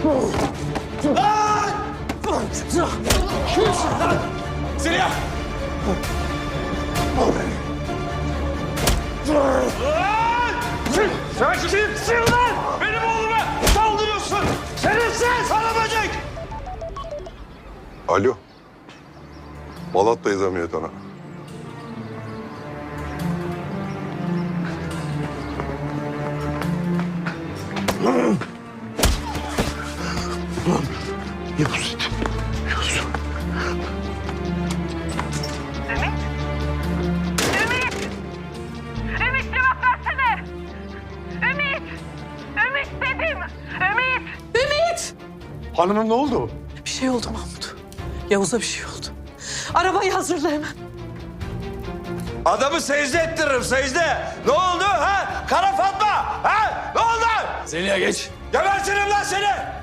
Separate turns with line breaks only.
Lan! Kimsin lan? Zeliha! Sen kimsin lan? Benim oğluma saldırıyorsun! Şerefsiz! Sana böcek!
Alo. Malatya'yız emniyet ana. Yavuz. Yavuz.
Ümit cevap versene! Ümit dedim! Ümit!
Hanımım ne oldu?
Bir şey oldu Mahmut. Yavuz'a bir şey oldu. Arabayı hazırla hemen.
Adamı secde ettiririm secde. Ne oldu ha? Kara Fatma ha? Ne oldu?
Zeliha geç.
Gebertirim lan seni.